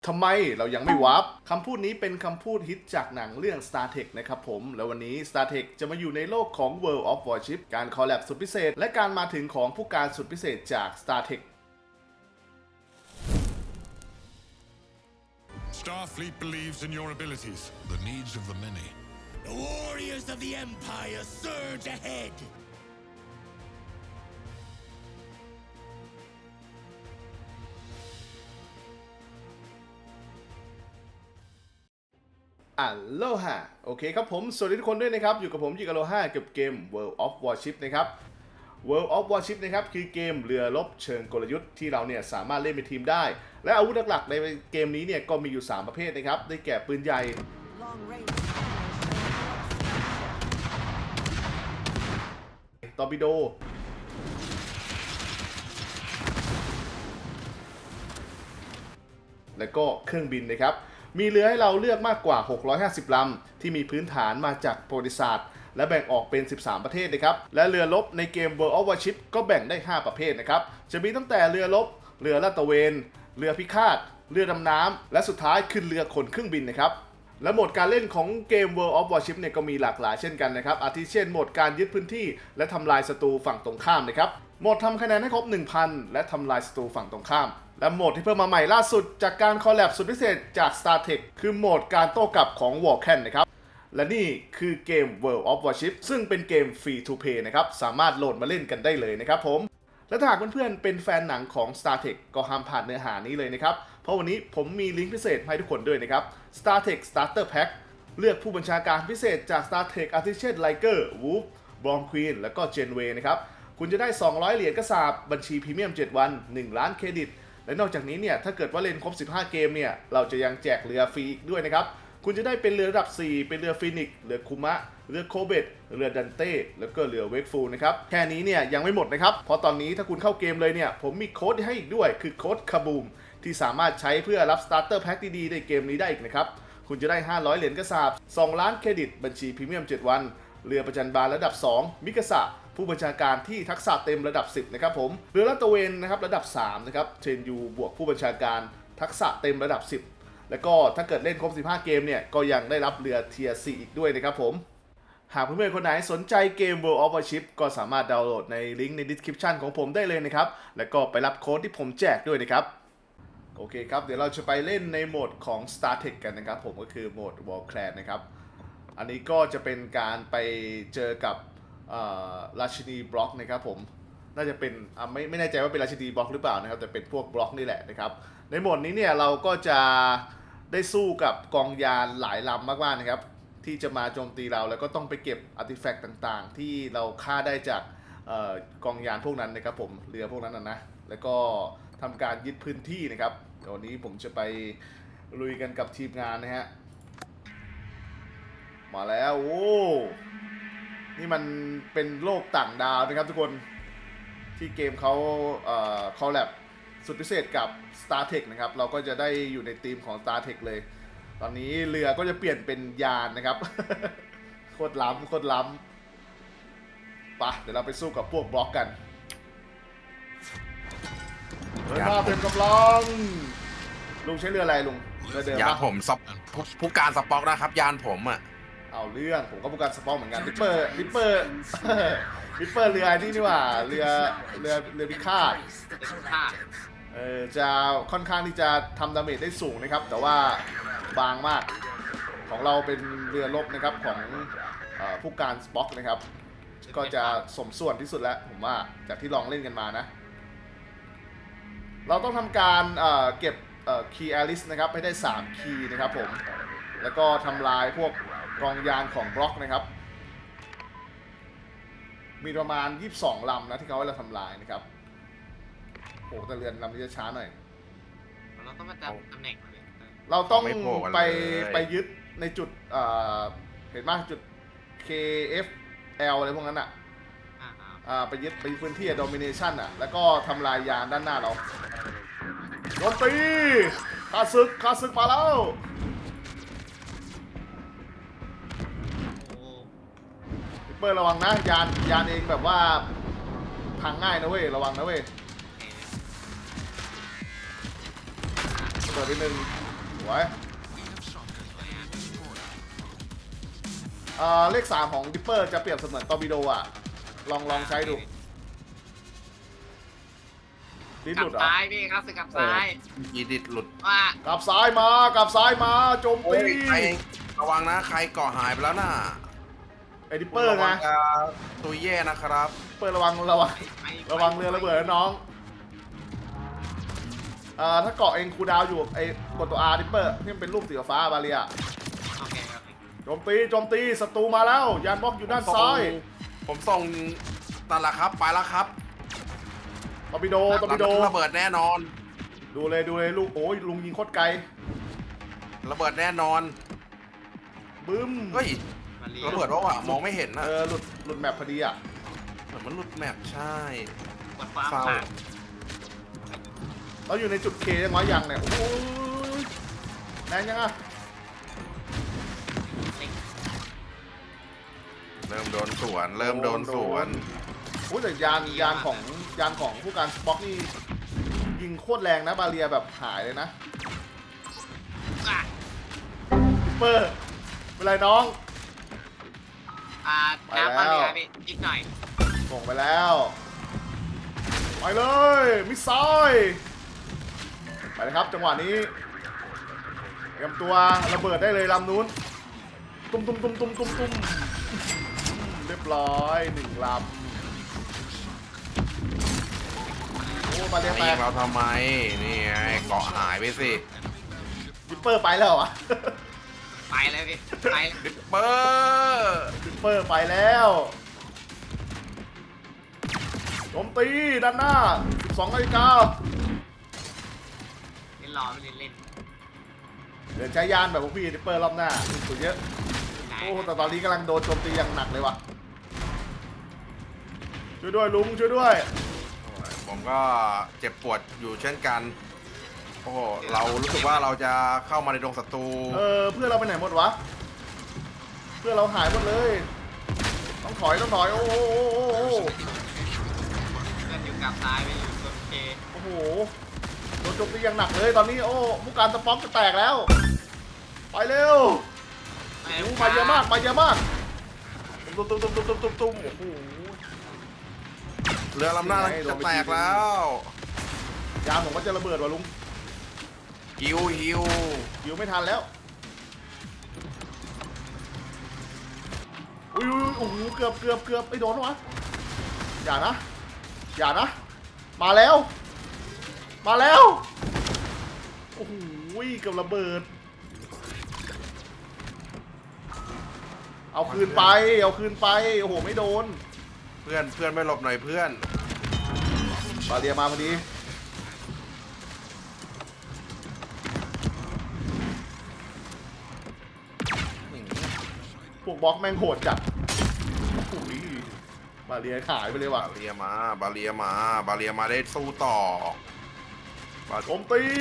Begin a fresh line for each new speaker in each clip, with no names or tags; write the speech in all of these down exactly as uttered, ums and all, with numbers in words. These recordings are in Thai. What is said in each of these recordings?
ทำไมเรายังไม่วาร์ปคำพูดนี้เป็นคำพูดฮิตจากหนังเรื่อง Star Trek นะครับผมแล้ววันนี้ Star Trek จะมาอยู่ในโลกของ World of Warship การคอลแลบสุดพิเศษและการมาถึงของผู้การสุดพิเศษจาก Star Trek
Starfleet believes in your abilities, the needs of the many.
The warriors of the Empire surge ahead!
อัลโลฮาโอเคครับผมสวัสดีทุกคนด้วยนะครับอยู่กับผมยิกอโลฮากับเกม World of Warship นะครับ World of Warship นะครับคือเกมเรือรบเชิงกลยุทธ์ที่เราเนี่ยสามารถเล่นเป็นทีมได้และอาวุธหลักๆในเกมนี้เนี่ยก็มีอยู่สามประเภทนะครับได้แก่ปืนใหญ่ตอร์ปิโดและก็เครื่องบินนะครับมีเรือให้เราเลือกมากกว่าหกร้อยห้าสิบลำที่มีพื้นฐานมาจากประวัติศาสตร์และแบ่งออกเป็นสิบสามประเทศนะครับและเรือรบในเกม World of Warship ก็แบ่งได้ห้าประเภทนะครับจะมีตั้งแต่เรือรบเรือลาดตระเวนเรือพิฆาตเรือดำน้ำและสุดท้ายคือเรือขนเครื่องบินนะครับและโหมดการเล่นของเกม World of Warship เนี่ยก็มีหลากหลายเช่นกันนะครับอาทิเช่นโหมดการยึดพื้นที่และทำลายศัตรูฝั่งตรงข้ามนะครับโหมดทำคะแนนให้ครบ หนึ่งพัน และทำลายศัตรูฝั่งตรงข้ามและโหมดที่เพิ่มมาใหม่ล่าสุดจากการคอลแลบสุดพิเศษจาก Star Trek คือโหมดการโต้กลับของ Vulcan นะครับและนี่คือเกม World of Warship ซึ่งเป็นเกม Free to Play นะครับสามารถโหลดมาเล่นกันได้เลยนะครับผมและถ้าหากเพื่อนๆเป็นแฟนหนังของ Star Trek ก็ห้ามพลาดเนื้อหานี้เลยนะครับเพราะวันนี้ผมมีลิงก์พิเศษให้ทุกคนด้วยนะครับ Star Trek Starter Pack เลือกผู้บัญชาการพิเศษจาก Star Trek อาทิเช่น Riker, Worf, Born Queen และก็ Janeway นะครับคุณจะได้สองร้อยเหรียญกระสาบบัญชีพรีเมียมเจ็ดวันหนึ่งล้านเครดิตและนอกจากนี้เนี่ยถ้าเกิดว่าเล่นครบสิบห้าเกมเนี่ยเราจะยังแจกเรือฟรีอีกด้วยนะครับคุณจะได้เป็นเรือระดับสี่เป็นเรือฟินิกเรือคุมะเรือโคเบตเรือดันเต้แล้วก็เรือเวกฟูลนะครับแค่นี้เนี่ยยังไม่หมดนะครับเพราะตอนนี้ถ้าคุณเข้าเกมเลยเนี่ยผมมีโค้ดให้อีกด้วยคือโค้ดคาบูมที่สามารถใช้เพื่อรับสตาร์เตอร์แพ็คดีๆในเกมนี้ได้อีกนะครับคุณจะได้ห้าร้อยเหรียญกระสาบสองล้านเครดิตบัญชีพรีเมียมเจ็ดวันเรือประจันบานระดับสองมิกาสะผู้บัญชาการที่ทักษะเต็มระดับสิบนะครับผมเรือลาดตระเวนนะครับระดับสามนะครับเทรนยูบวกผู้บัญชาการทักษะเต็มระดับสิบแล้วก็ถ้าเกิดเล่นครบสิบห้าเกมเนี่ยก็ยังได้รับเรือเทียร์สี่อีกด้วยนะครับผมหากเพื่อนๆคนไหนสนใจเกม World of Warship ก็สามารถดาวน์โหลดในลิงก์ใน description ของผมได้เลยนะครับแล้วก็ไปรับโค้ดที่ผมแจกด้วยนะครับโอเคครับเดี๋ยวเราจะไปเล่นในโหมดของ Star Trek กันนะครับผมก็คือโหมด Warclan นะครับอันนี้ก็จะเป็นการไปเจอกับราชินีบล็อกนะครับผมน่าจะเป็นไม่ไม่แน่ใจว่าเป็นราชินีบล็อกหรือเปล่านะครับแต่เป็นพวกบล็อกนี่แหละนะครับในโหมดนี้เนี่ยเราก็จะได้สู้กับกองยานหลายลำมากๆนะครับที่จะมาโจมตีเราแล้วก็ต้องไปเก็บอาร์ติแฟกต์ต่างๆที่เราฆ่าได้จากกองยานพวกนั้นนะครับผมเรือพวกนั้นนะนะแล้วก็ทำการยึดพื้นที่นะครับวันนี้ผมจะไปลุยกันกับทีมงานนะฮะมาแล้วโอ้นี่มันเป็นโลกต่างดาวนะครับทุกคนที่เกมเขาเอ่อคอลแลบสุดพิเศษกับ Star Trek นะครับเราก็จะได้อยู่ในทีมของ Star Trek เลยตอนนี้เรือก็จะเปลี่ยนเป็นยานนะครับ โคตรล้ำโคตรล้ำปะเดี๋ยวเราไปสู้กับพวกบล็อกกันเดินมาเป็นกำลังลุงใช้เรืออะไรลุงเรือเดิม
ยาน
ปะ
ผมสปผู้การสป็อกนะครับยานผมอ่ะ
เอาเรื่องผมก็ผู้การสปอร์เหมือนกันลิปเปอร์ลิปเปอร์ลิปเปอร์เรือนี่นี่ว่าเรือเรือเรือพิฆาตเออจะค่อนข้างที่จะทำดาเมจได้สูงนะครับแต่ว่าบางมากของเราเป็นเรือรบนะครับของผู้การสป็อกนะครับก็จะสมส่วนที่สุดแล้วผมว่าจากที่ลองเล่นกันมานะเราต้องทำการเอ่อเก็บคีย์แอลิสนะครับให้ได้สามคีย์นะครับผมแล้วก็ทำลายพวกกองยานของบล็อกนะครับมีประมาณยี่สิบสองลำนะที่เขาให้เราทำลายนะครับโอ้แต่เรือนลำนี้จะช้าหน่อย
เราต้องมาจำตำแหน่งเลย
เราต้องไปไปยึดในจุดเอ่อเห็นไหมจุด เค เอฟ แอล อะไรพวกนั้นอ่ะอ่าไปยึดไปพื้นที่ domination อ่ะแล้วก็ทำลายยานด้านหน้าเราโจมตีข้าศึกข้าศึกมาแล้วเปิดระวังนะยานยานเองแบบว่าพังง่ายนะเว้ยระวังนะเว้ยเปิดไปหนึ่งสวยอ่าเลขสามของดิปเปอร์จะเปรียบเสมือนตอร์ปิโดอ่ะลองลองใช้ดูดิ้น
ก
ห
ลั
ลุ
บ
ดเหรอ
ซ้ายพี่ครับสึกกลับซ้าย
ยีดิดหลุด
ว่าก
ลับซ้ายมากลับซ้ายมาโจม
โอ้
ตี
ยใครระวังนะใครเกาะหายไปแล้วน่ะ
ไอ้ดิปเปอร์ไง
ระวัจะตัวแย่นะครับ
ดิปเปอร์ระวังระวัง
ไประ
วังเรือระเบิดนะน้องอ่าถ้าเกาะเองคูลดาวน์อยู่ไอ้กดตัว R ดิปเปอร์ที่มันเป็นรูปสีฟ้าบาเรีย
โอเคครับ
โจมตีโจมตีศัตรูมาแล้วยานบล็อกอยู่ด้านซ้าย
ผมส่งนั่นแหละครับไปแล้วครับ
ตอร์ปิโดตอร์ปิโด
ระเบิดแน่นอน
ดูเลยดูเลยลูกโอ้ยลุงยิงโคตรไกล
ระเบิดแน่นอน
บึ้ม
เฮ้ย
มาเรีย
ระเบิดว่าวะมองไม่เห็นนะ
เออหลุดหลุดแมปพอดีอ่ะ
เหมือนมันหลุดแมปใช่
กดฟ้า
เศร้า
ผ่าน
เราอยู่ในจุดเคยังไงยังเนี่ยโอ้ยแรงยังอ่ะ
เริ่มโดนสวน เริ่มโดนสวน
โอ้ยแต่ยานยานของยานของผู้การสป็อกนี่ยิงโคตรแรงนะบาเรียแบบหายเลยนะ
อ่ะ
ดิปเปอร์เป็นไรน้อง
อ่า
ไป
น้ำมา
แล้ว
เรือพี่นิดหน่อย
ส่งไปแล้วไปเลยมิสไซล์ไปเลยครับจังหวะนี้เตรียมตัวระเบิดได้เลยลำนู้นตุ้มตุ้มตุ้มตุ้มตุ้มตุ้มเรียบร้อยหนึ่งลำโอ้มาเรีย
ไม่
แต
ยิ
ก
งเราทำไม นี่ไงเกาะหายไปสิ
ดิปเปอร์ไปแล้วอ่ะ
ไปเลยพี่ไป
ดิปเปอร์
ดิปเปอร์ไปแล้วโจมตีด้านหน้าสิบสองนาฬิกา
เล่นรอไม่เล่นเล่น
เดี๋ยวใช้ยานแบบพวกพี่ดิปเปอร์รอบหน้าสุดเยอะ
ไหน
โอ้แต่ตอนนี้กำลังโดนโจมตีอย่างหนักเลยว่ะช่วยด้วยลุงช่วยด้วย
ผมก็เจ็บปวดอยู่เช่นกัน โอ้โห เรารู้สึกว่าเราจะเข้ามาในดงศัตรู
เออเพื่อนเราไปไหนหมดวะเพื่อนเราหายหมดเลย ต้องถอยต้องถอยโอ้โห
เพื่อนอยู่กลับซ้ายไปอยู่โอเค
โอ้โหโดนโจมตีอย่างหนักเลยตอนนี้โอ้ผู้การสป็อกจะแตกแล้วไปเร็ว
ไป
โอ้มาเยอะมากมาเยอะมากตุ้มตุ้มตุ้มตุ้มตุ้มตุ้มตุ้มโอ้โห
เรือลำหน้าจะแตกแล้ว
ยานผมก็จะระเบิดว่ะลุง
ฮิวฮิว
ยิวไม่ทันแล้วอุ้ยอุ้ยโอ้โหเกือบเกือบเกือบไอ้โดนวะอย่านะอย่านะมาแล้ว มาแล้วโอ้โหเกือบระเบิดเอาคืนไปเอาคืนไปโอ้โหไม่โดน
เพื่อนเพื่อนไม่หลบหน่อยเพื่อน
บาเรียมาพอดีพวกบล็อกแม่งโหดจัดโอ้ยบาเรียขายไปเลยว่ะ
บาเรียมา บาเรียมา บาเรียมาได้สู้ต่อบา
โจมตี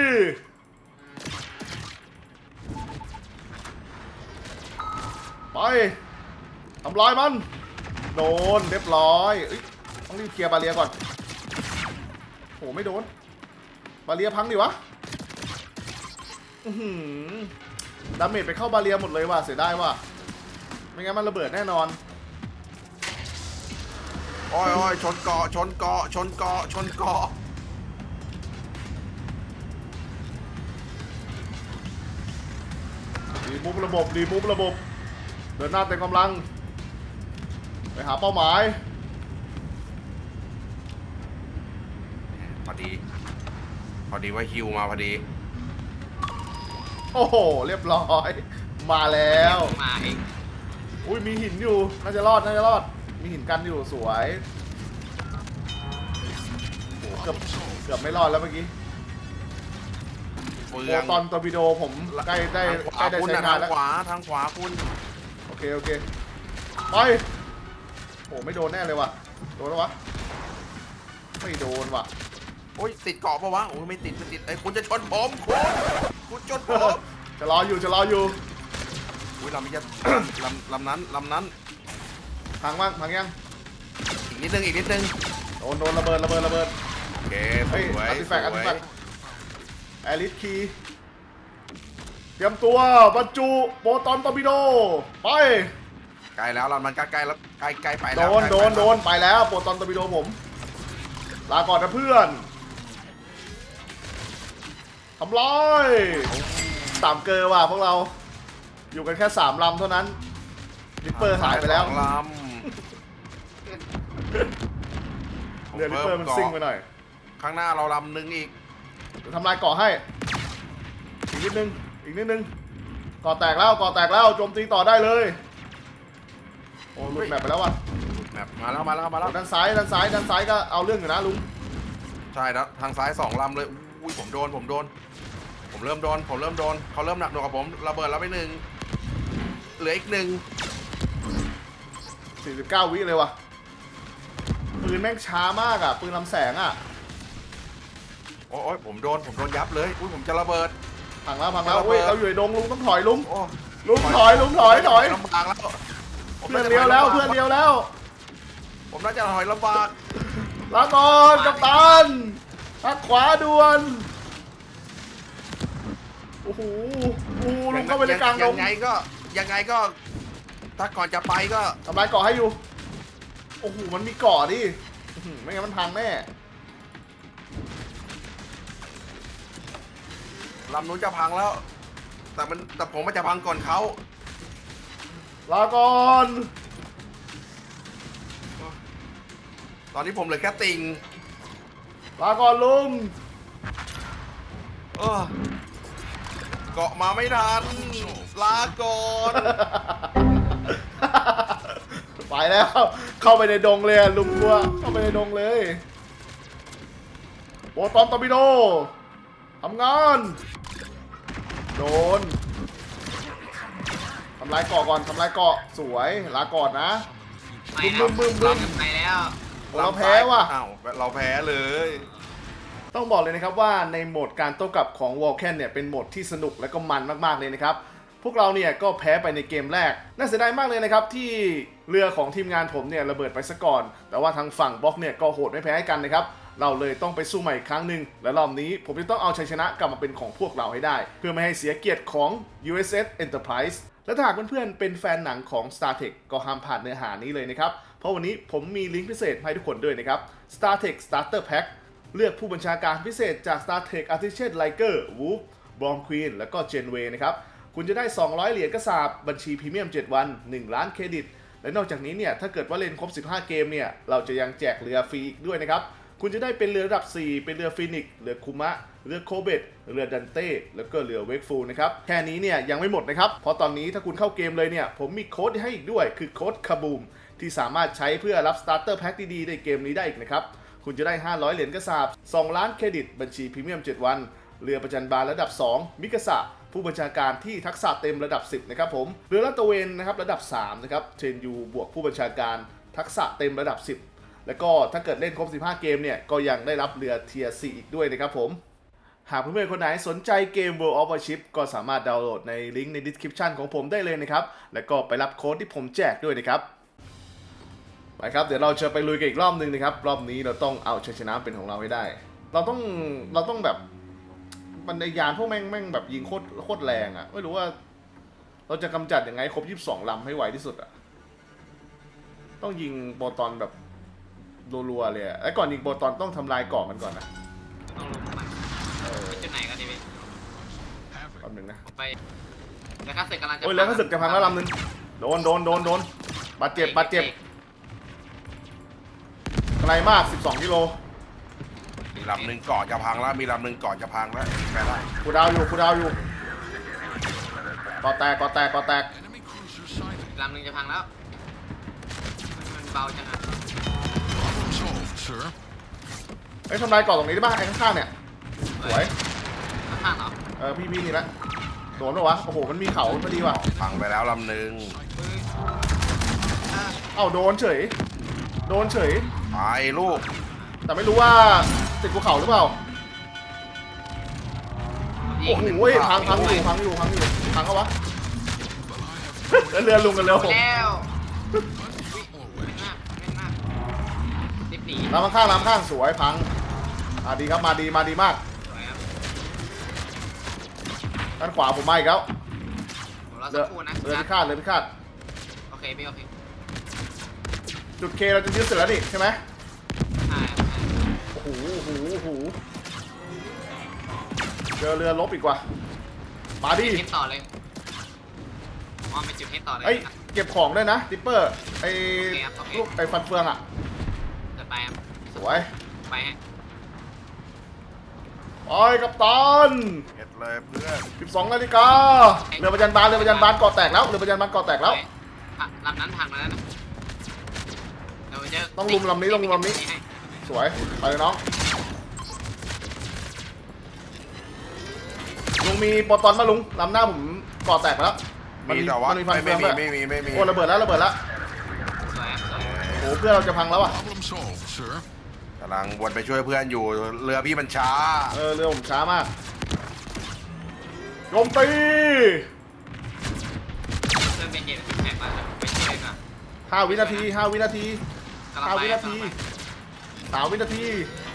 ไปทำลายมันโดนเรียบร้อยเอ้ยต้องรีบเคลียร์บาเรียก่อนโหไม่โดนบาเรียพังดิวะอื้อหือดาเมจไปเข้าบาเรียหมดเลยว่ะเสียดายว่ะไม่งั้นมันระเบิดแน่นอน
โอ้ยโอ้ยชนเกาะ ชนเกาะ ชนเกาะ ชนเกาะ
รีมูฟระบบรีมูฟระบบเดินหน้าเต็มกำลังไปหาเป้าหมาย
พอดี พอดีว่าฮิวมาพอดี
โอ้โหเรียบร้อยมาแล้ว
มาเอง
อุ้ยมีหินอยู่น่าจะรอดน่าจะรอดมีหินกันอยู่สวยโอ้โหเกือบเกือบไม่รอดแล้วเมื่อกี้
เฟื
โอ้
อง
ตอนตอร์ปิโดผมใกล้ได้
ทางข
ใกล้ว
า
ได้
คุณ
ใช้
นะ
งา
ทาน ง
แล้ว
ขวา ทางขวาคุณ
โอเคโอเคไปโอ้ไม่โดนแน่เลยว่ะโดนแล้ววะไม่โดนว่ะ
โอ้ยติดเกาะปะวะ โอ้ยไม่ติดไม่ติดไอ้ยคุณจะชนผมคุณคุณชนผม
จะรออยู่จะรออยู่
อุ้ยลำนี้จะ ลำลำนั้นลำนั้น
พังบ้างพังยัง
อีกนิดนึงอีกนิดนึง
โดนโดนระเบิดระเบิดระเบิด
โอเคส
เฮ้ย
วย
อาร์ติ
ส
แฟกต์อาร์ติ
ว
แฟ
ย
กต์แอลิสคีรียมตัวบรรจุโปรตอนตอร์ปิโดไป
ใกล้แล้วเรามันใกล้ๆแล้วใกล้ใกล้ไป
โด
แล้ว
นโดนโดนไปแล้วโปรตอนตอร์ปิโดผมลาก่อนนะเพื่อนทำลายสามเกอร์ว่ะพวกเราอยู่กันแค่สามลำเท่านั้นลิปเปอร์หายไปแล้ว
สองล
เรือลิปเปอร์มันซิ่งไปหน่อย
ำข้างหน้าเราลำหนึ่งอีก
เดี๋ยวทำลายเกาะให้อีกนิดนึงอีกนิดนึงเกาะแตกแล้วเกาะแตกแล้วโจมตีต่อได้เลยโอ้หลุดแมปไปแล้วว่ะ
แมปมาแล้วมาแล้วมาแล้ว
ด้านซ้ายด้านซ้ายด้านซ้ายก็เอาเรื่องอยู่นะลุง
ใช่แล้วทางซ้ายสองลำเลยอุ้ยผมโดนผมโดน ผมเริ่มโดนผมเริ่มโดนเขาเริ่มหนักหน่วงกับผมระเบิดแล้วไปหนึ่งเหลืออีกหนึ่ง
สี่สิบเก้าวิเลยว่ะปืนแม่งช้ามากอ่ะปืนลำแสงอ่ะ
โอ้ยผมโดนผมโดนยับเลยอุ้ยผมจะระเบิด
พังแล้วพังแล้ว
ระเบิ
อุ้ย
ด
เราอยู่ในดงลุงต้องถอยลุง
โอ้
ลุงถอยลุงถอยถอย
ลำบากแล้วผม
เพื่อนเลี้ยวแล้วเพื่อนเลี้ยวแล้ว
ผมน่าจะถอยลำบาก
ลาก่อนกัปตันทักขวาด่วนโอ้โหโอ้โหลุงเข้าไปในกลางด
ยัง งไงก็ยังไงก็ ถ้าก่อนจะไปก็
ทำลายเกาะให้อยู่โอ้โหมันมีเกาะดิอื้อหือไม่งั้นมันพังแน่
ลำนู้นจะพังแล้ว แต่มันแต่ผมมันจะพังก่อนเขา
ลาก่อน
ตอนนี้ผมเหลือแค่ติง
ลาก่อนลุง
เออเกาะมาไม่ทันลาก่อน
ไปแล้วเข้าไปในดงเลยอะลุงกลัวเข้าไปในดงเลยโปรตอนตอร์ปิโดทำงานโดนทำลายเกาะก่อนทำลายเกาะสวยลาก่อนนะ
ไป
บึ้
แล้ว
มบึ้มบึ้ม
ไปแล้ว
เราแพ้ว่ะ
อ้าวเราแพ้เลย
ต้องบอกเลยนะครับว่าในโหมดการโต้กลับของ Vulcan เนี่ยเป็นโหมดที่สนุกและก็มันมากๆเลยนะครับพวกเราเนี่ยก็แพ้ไปในเกมแรกน่าเสียดายมากเลยนะครับที่เรือของทีมงานผมเนี่ยระเบิดไปซะก่อนแต่ว่าทางฝั่งบล็อกเนี่ยก็โหดไม่แพ้กันนะครับเราเลยต้องไปสู้ใหม่อีกครั้งหนึ่งและรอบนี้ผมจะต้องเอาชัยชนะกลับมาเป็นของพวกเราให้ได้ เพื่อไม่ให้เสียเกียรติของ ยู เอส เอส Enterprise และถ้าหากเพื่อนๆเป็นแฟนหนังของ StarTech ก็ห้ามพลาดเนื้อหานี้เลยนะครับเพราะวันนี้ผมมีลิงก์พิเศษให้ทุกคนด้วยนะครับ StarTech Starter Pack เลือกผู้บัญชาการพิเศษจาก StarTech Artificial Liger Wolf Bomb Queen และก็ Genway นะครับคุณจะได้สองร้อยเหรียญกระสาบบัญชีพรีเมียมเจ็ดวันหนึ่งล้านเครดิตและนอกจากนี้เนี่ยถ้าเกิดว่าเล่นครบสิบห้าเกมเนี่ยเราจะยังแจกเรือฟรีอีกด้วยนะครับคุณจะได้เป็นเรือระดับสี่เป็นเรือฟินิกเรือคุมะเรือโคเบตเรือดันเต้แล้วก็เรือเวกฟูลนะครับแค่นี้เนี่ยยังไม่หมดนะครับเพราะตอนนี้ถ้าคุณเข้าเกมเลยเนี่ยผมมีโค้ดให้อีกด้วยคือโค้ดคาบูมที่สามารถใช้เพื่อรับสตาร์เตอร์แพ็คดีๆในเกมนี้ได้อีกนะครับคุณจะได้ห้าร้อยเหรียญกระสาบสองล้านเครดิตบัญชีพรีเมียมเจ็ดวันเรือประจันบานระดับสองมิกาสะผู้บัญชาการที่ทักษะเต็มระดับสิบนะครับผมเรือลาดตระเวนนะครับระดับสามนะครับเทรนยูบวกผู้บัญชาการทักษะเต็มระดับสิบแล้วก็ถ้าเกิดเล่นครบสิบห้าเกมเนี่ยก็ยังได้รับเรือเทียร์สี่อีกด้วยนะครับผมหากเพื่อนๆคนไหนสนใจเกม World of Warship ก็สามารถดาวน์โหลดในลิงก์ใน description ของผมได้เลยนะครับแล้วก็ไปรับโค้ดที่ผมแจกด้วยนะครับไปครับเดี๋ยวเราจะไปลุยกันอีกรอบนึงนะครับรอบนี้เราต้องเอาชัยชนะเป็นของเราให้ได้เราต้องเราต้องแบบบรรยานพวกแม่งแม่งแบบยิงโคตรโคตรแรงอะ่ะไม่รู้ว่าเราจะกำจัดยังไงครบยี่สิบสองลำให้ไวที่สุดอะ่ะต้องยิงโปรตอนแบบรัวๆเลยอะไอ้ก่อนยิงโปรตอนต้องทำลายเกาะมันก่อนนะ
ต้องลงมาไปจุดไหนกันดีพี่
แป๊บนึงนะ
ไปแล้วก็เสร็จกำลังจะ
โอ้ยแล้วก็สึกจะพังแล้วลำนึงโดนโดนโดนโดนบาดเจ็บบาดเจ็บไกลมากสิบสองกิโล
มีลำหนึ่งเกาะจะพังแล้วมีลำหนึ่งเกาะจะพังแล้วแพ้ได้
กูดาวอยู่กูดาวอยู่ก่อแตกก่อแตกก่อแตก
Enemy cruiser sighted.
ลำหนึ่งจะพังแล้วมันเบาจังอะ
Problem solved, sir.
ไอ้ยทำลายเกาะตรงนี้ได้ป่ะไอ้ข้างๆเนี่ยสวย
ข้างๆเหรอ
เออพี่พี่นี่ละโดนปะวะโอ้โหมันมีเขาพอดีว่ะ
พังไปแล้วลำหนึ่ง
เฮ้ยอ่ะ
เอ้าโดนเฉยโดนเฉย
ไปลูก
แต่ไม่รู้ว่าติดภูเขาหรือเปล่า
ยิ
โอ้
ง
โหพังพังอยู่พังอยู่พังอยู่พังเขาวะ แล้วเรือลุงกันเร็ว
ไปแล้วอุ๊ยเล่นมากเล่นมากรีบหนี
ลำข้างๆลำข้างสวยพังมาดีครับมาดีมาดีมาก
สวยครับ
ด้านขวาผมมาอีกแล้ว
ผมรอ
เรื
สั
อก
ครู่นะ
เรือพิฆาตเรือพิฆาต
โอเคพี่โอเค
จุดเคเราจะยึดเสร็จแล้วนี่ใช่ไหม
ใช่ใช่
โอ้โหโอ้โหโอ้โหเจอเรือลบอีกว่ะมาดิ
จุดเฮดต่อเลยอ๋อเป็นจุดเฮดต่อเลย
เอ้ยเก็บของด้วยนะดิปเปอร์ไอ้
โอเคครับโอเค
ลูกไอ้ฟันเฟืองอ่ะ
เกิดไปครับ
สวย
ไปฮะ
ไปกัปตัน
เห็ดเลยเพื่อน
สิบสองนาฬิกาเรือประจันบานเรือประจันบานเกาะแตกแล้วเรือประจันบานเกาะแตกแล้ว
ไปลำนั้นพังแล้วนะเดี๋ยวจะ
ต้องลุมลำนี้ต้องลุมลำนี้
ให้
สวยไปเลยน้องลุงมีโปรตอนมาลุงลำหน้าผมเกาะแตกไปแล้ว
มีแต่ว่า
มันมีฟัน
ไม่
เฟือง
มี
ด้วย
ไม่มีไม่มี
โอ้ระเบิดแล้วระเบิดแล้ว
สวยครับสวย
โอ้เพื่อนเราจะพังแล้วอ่ะ
Problem solved, sir.
กำลังวนไปช่วยเพื่อนอยู่เรือพี่มันช้า
เออเรือผมช้ามากโจมตี
เริ่มเป็นเกมที่แข็งแล้วไปช่วยก่อน
ห้าวินาทีห้าวินาที
กำลัง
ห้า
ไป
วินาทีสามวินาที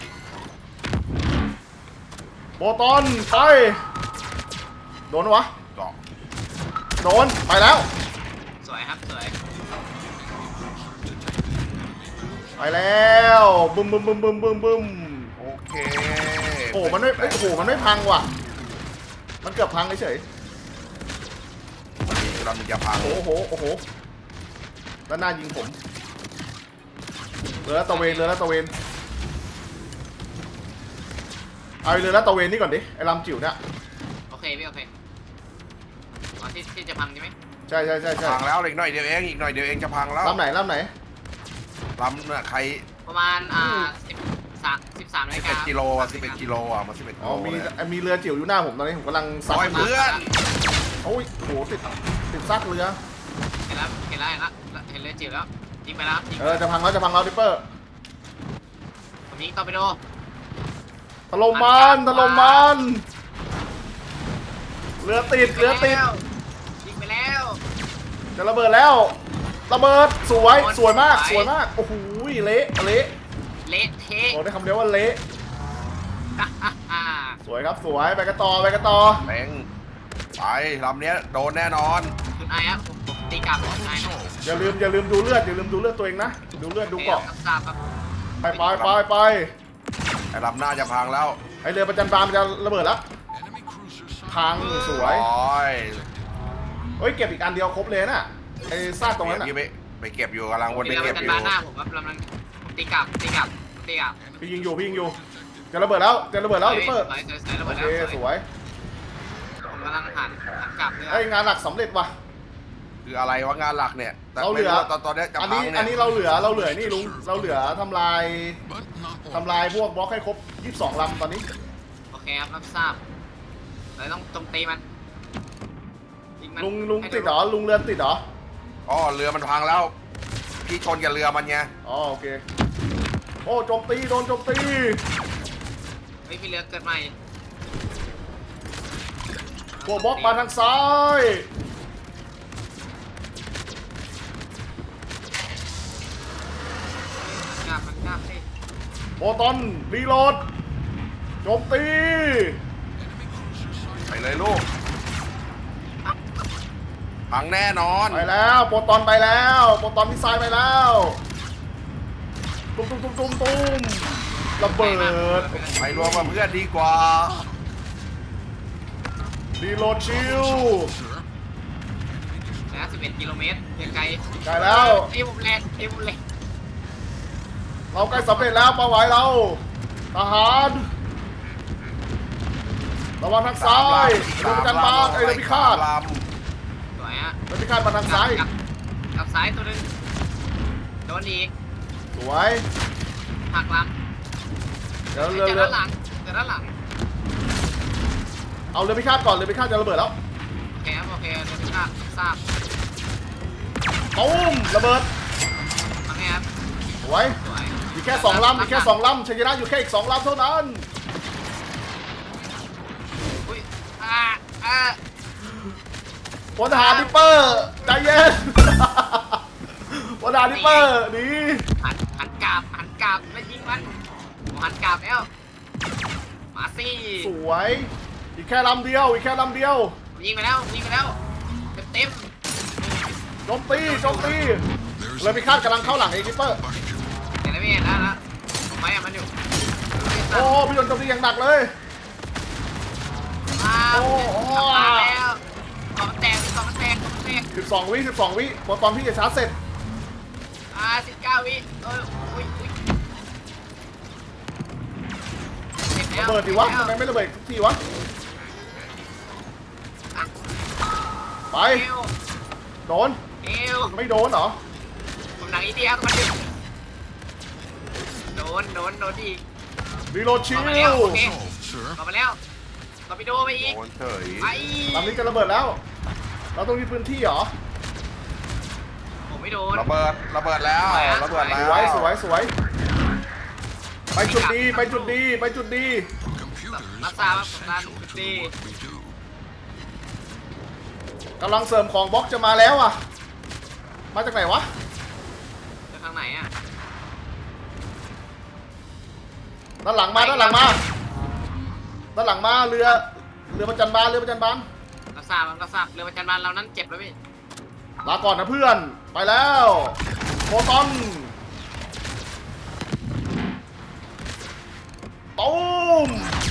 โปรตอนไปโดนวะ
เกาะ
โดนไปแล้ว
สวยครับสวย
ไปแล้วบึมบึมบึมบึมบึมบึม
โอเค
โอ้มันไม่เอ้ยโอ้โหมันไม่พังว่ะมันเกือบพังเฉย
วันนี้เราจะพัง
ๆโอ้โหโอ้โหด้านหน้ายิงผมเรือลาดตระเวนเรือลาดตระเวนเอาเรือลาดตระเวนนี่ก่อนดิไอ้ลำจิ๋วเนี่ย
โอเคพี่โอเคตอนที่ที่จะพังใช่ไหม
ใช่ใช่ใช่ใช่
พังแล้วอีกหน่อยเดียวเองอีกหน่อยเดียวเองจะพังแล้ว
ลำไหนลำไหน
ลำน่ะใคร
ประมาณอ่าสิบสามสิบสามนาฬิ
สิบเอ็
กา
ดกิโลอ่ะสิบเอ็ดกิโลอ่ะมาสิบเอ็ดกิ
อ๋อ
โล
มี
เลย
มีเรือจิ๋วอยู่หน้าผมตอนนี้ผมกำลังซัด
โอ้ยเพื่อน
โอ้ยโอ้โหติดติดซากเรือ
เห็นแล้วเห็นแล้วเห็นแล้วเห็นเรือจิ๋วแล้วยิงไปแล้วยิง
เออจะพังแล้วจะพังแล้วดิปเปอร์
ผมยิงต่อไปโด
ถล่มมันถล่มมันเรือติดเรือติด
ยิงไปแล้ว
จะระเบิดแล้วระเบิดสวยสวยมากสวยมากโอ้โหเละเละ
เละเทะ
บอกได้คำเดียวว่าเละ
ฮ่าฮ่าฮ่า
สวยครับสวยไปกันต่อไปกันต่อ
แม่งไปลำเนี้ยโดนแน่นอน
คุณไอ้ครับผมผมตีกลับคุณไอ้
Problem
นะ
solved.
อย่าลืมอย่าลืมดูเลือดอย่าลืมดูเลือดตัวเองนะดูเลือดดูเกาะ
รับทราบครับ
ไปไปไปไป
ไอ้ลำหน้าจะพังแล้ว
ไอเรือประจันบานมันจะระเบิดแล้ว
Enemy cruiser
พังสวย
โอ้ย
เฮ้ยเก็บอีกอันเดียวครบเลยน่ะไอซากตรงนั้นน่ะ
พี่ไปไปเก็บอยู่กำลังวนไป
เรือ
เก็
มั
บ
น
อ
จะ
ยู่
มาหน้าผมครับลำนั้นผมตีกลับตีกลับตีกลับ
พี่ยิงอยู่พี่ยิงอยู่จะระเบิดแล้วจะระเบิดแล้วลิปเปอร์
สวยสวยสวยระ
โอ
เบิด
เค
แล้ว
สวย
ผมกำลังหันหันกลับเรือ
ไอยงานหลักสำเร็จว่ะ
คืออะไรวะงานหลักเนี่ยแต่
เราเหลือ
ไม่ว่าตอนตอนเนี้ยจะ
อัน
พั
นี้
งเนี่ย
อันนี้เราเหลือเราเหลือนี่ลุงเราเหลือทำลาย
But not all.
ทำลายพวกบล็อกให้ครบยี่สิบสองลำตอนนี้
โอเคครับรับทราบเราต้องโจมตีมันยิงมัน
ลุงลุง
ให้
ติดเหรอลุงเรือนติดเหรอ
อ๋อเรือมันพังแล้ว พี่ชนกับเรือมันไง
อ๋อโอเคโอ้โจมตีโดนโจมตี
เฮ้ยมีเรือเกิดใหม่
พวกบล็อกมาทางซ้าย
กลับมันกลับสิ
โปรตอนรีโหลดโจมตี
ไปเลยลูกพังแน่นอน
ไปแล้วโปรตอนไปแล้วโปรตอนมิสไซล์ไปแล้วตุ้มตุ้มตุ้มตุ้มตุ้มระเบิด
ไปรวมกับเพื่อนดีกว่า
รีโหลดชิล
Sir.
นะสิบเอ็ดกิโลเมตรยังไกล
ได้แล้ว
เอ้ยผมแรงเอ้ยผมแรง
เราใกล้สำเร็จแล้วเป้าหมายเราทหารระวังทางซ้ายเรือประจันบานไอ้เรือพิฆาต
ล
สวยฮะ
เรือพิฆาตมาทางซ้าย
กลับกลับซ้ายตัวหนึงโดนอีก
สวย
หักหลัง
เดี๋ยว
เจ
เรือ
อ
เรือ
ด้านหลังเจอด้านหลัง
เอาเรือพิฆาตก่อนเรือพิฆาตจะระเบิดแล้ว
โอเคครับโอเคเรือพิฆาตทราบ
ตูมระเบิด
ทำไงครับ
สวย
สวย
มีแค่สองลำมีแค่สองลำชัยชนะอยู่แค่อีกสองลำเท่านั้น
อุ้ยอ่าอ่า
พลทหารดิปเปอร์ใจเย็น พลทหารดิปเปอร์หนี
หันหันกราบหันกราบแล้วยิงมันผมหันกราบแล้วมาสิ
สวยอีกแค่ลำเดียว อีกแค่ลำเดียว
ยิงไปแล้วยิงไปแล้วเต็มเต็ม
โจมตีโจมตีเลยพิฆาตกำลังเข้าหลังเอกิปเปอร์
เห็นแล้วพี่เห็นแล้วนะผมไปอ่ะมันอยู่
โอ้พี่โดนโจมตีอย่างหนักเลย
มา
โอ้โอ้
มาแล้วกองแตกกองแตกกองแตก
สิบสองวิสิบสองวิพอตอนพี่จะชาร์จเสร็จ
อ่าสิบเก้าวิเอออุ้ยอุ้ย
ระเบิดดิวะทำไมไม่ระเบิดทุกทีวะ ไป
เอว
โดน
เอว
ไม่โดนเหรอ
ผมหนังอีเดียมันดึงโดนโดนโดนอีก
รีโหลดชิล
เอามาแล้วโอเค
Solved, sir.
ต่อมาแล้วต่อไปโดไปอีก
โดนเฉย
ไป
ลำนี้จะระเบิดแล้ว เราต้องมีพื้นที่เหรอ
ผมไม่โดน
ระเบิดระเบิดแล้วระเบิด
ส
แล้ว
วยสวยสวยไปจุดดีไปจุดดีไปจุดดี
Computers
That's
are
how
essential
that's
to
the-
what we do.
กำลังเสริมของบล็อกจะมาแล้วอ่ะ มาจากไหนวะ
จะทางไหนอ่ะ
ด้านหลังมาด้านหลังมาด้านหลังมาเรือเรือประจันบานเรือประจันบาน
รับทราบรับทราบเรือประจันบานเรานั้นเจ็บแล้วพี่
ลาก่อนนะเพื่อนไปแล้วโฟตอนตูม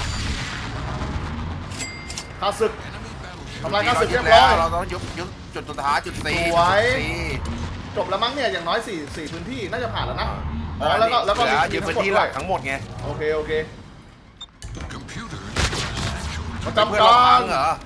ข้าศึก ทำลายข้าศึกเรียบร้อย
เราต้องยุบยุบจุดสุดท้ายจุดสี่
สวย
จุดสี่
จบแล้วมั้งเนี่ยอย่างน้อยสี่สี่พื้นที่น่าจะผ่านแล้วนะอ๋อแล้วก็แล้วก็
เหลือ
มี
ยึด
ทั้
พื้
งหมด
นที่
ด้
ห
ว
ลั
ย
กทั้งหมดไง
โอเคโอเค
Computers are essential
ประ
to
จำ
เพื่อน
กา
เราพั
รง
เหรอ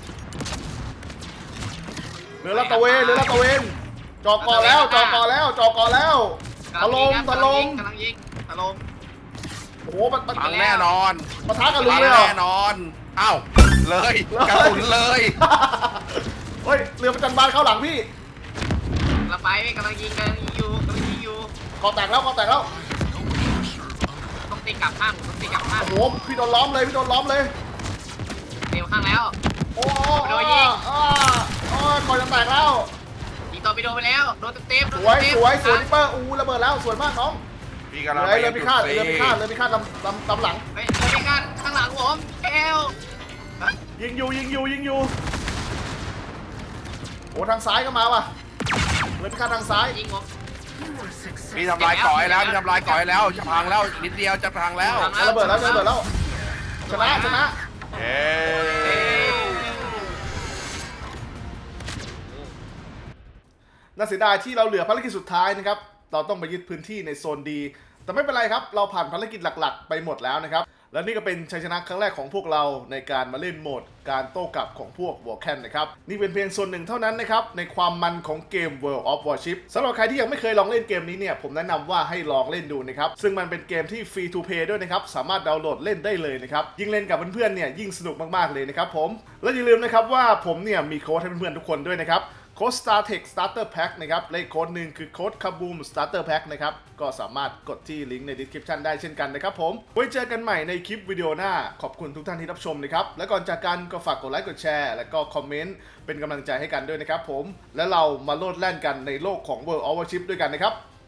เรือลาดตระเวนเรือลาดตระเวนจอกอแล้วจอกอแล้วจอกอแล้วถล่มถล่ม
กำลังยิงถล่ม
โอ้โหมันมัน
พังแน่นอน
ปะทะกับลุง
พัง
เลยเหรอ
แน่นอนเอ้าเลยกระสุนเลย
เฮ้ยเรือประจันบานเข้าหลังพี่
กำลังไปพี่กำลังยิงกำลังยิงอยู่กำลังยิงอยู่
กอแตกแล้วกอแตกแล้ว
ต้องตีกลับข้างต้องตีกลับข้าง
โอ้โหพี่โดนล้อมเลยพี่โดนล้อมเลย
เต็มข้างแล้ว
โอ้โห
โดนยิง
อ่าอ่าก่อนจะแตกแล้ว
ยิงต่อไปโดนไปแล้วโดนเต็ม
สวยสวยสวยนิปเปอร์อู้ระเบิดแล้วสวยมากน้อง
พี่กำลัง
เรือ
ไป
เรือพิฆาต
จุด
เรือ
สี่
พิฆาตเรือพิฆาตลำลำลำหลัง
เฮ้ยเรือพิฆาตข้างหลังผมเอว
ยิงอยู่ยิงอยู่ยิงอยู่โอ้ทางซ้ายก็มาว่ะเรือพิฆาตทางซ้าย
ยิงผม
พี่ทำลายก่อยแล้วพี่ทำลายก่อยแล้วจะพังแล้วอีกนิดเดียวจะพังแล้ว
จะระเบิดแล้วจะระเบิดแล้วชนะชนะ
เย้
น่าเสียดายที่เราเหลือภารกิจสุดท้ายนะครับเราต้องไปยึดพื้นที่ในโซนดีแต่ไม่เป็นไรครับเราผ่านภารกิจหลักๆ ไปหมดแล้วนะครับและนี่ก็เป็นชัยชนะครั้งแรกของพวกเราในการมาเล่นโหมดการโต้กลับของพวกวอร์แคนนะครับนี่เป็นเพียงส่วนหนึ่งเท่านั้นนะครับในความมันของเกม World of Warship สำหรับใครที่ยังไม่เคยลองเล่นเกมนี้เนี่ยผมแนะนำว่าให้ลองเล่นดูนะครับซึ่งมันเป็นเกมที่ฟรีทูเพย์ด้วยนะครับสามารถดาวน์โหลดเล่นได้เลยนะครับยิ่งเล่นกับเพื่อนๆเนี่ยยิ่งสนุกมากๆเลยนะครับผมและอย่าลืมนะครับว่าผมเนี่ยมีโค้ดให้เพื่อนๆทุกคนด้วยนะครับโค้ด StarTech Starter Pack นะครับและอีกโค้ดหนึ่งคือโค้ด Kaboom Starter Pack นะครับก็สามารถกดที่ลิงก์ใน description ได้เช่นกันนะครับผมไว้เจอกันใหม่ในคลิปวิดีโอหน้าขอบคุณทุกท่านที่รับชมนะครับและก่อนจากกันก็ฝากกดไลค์กดแชร์และก็คอมเมนต์เป็นกำลังใจให้กันด้วยนะครับผมและเรามาโลดแล่นกันในโลกของ World of Warship ด้วยกันนะครับ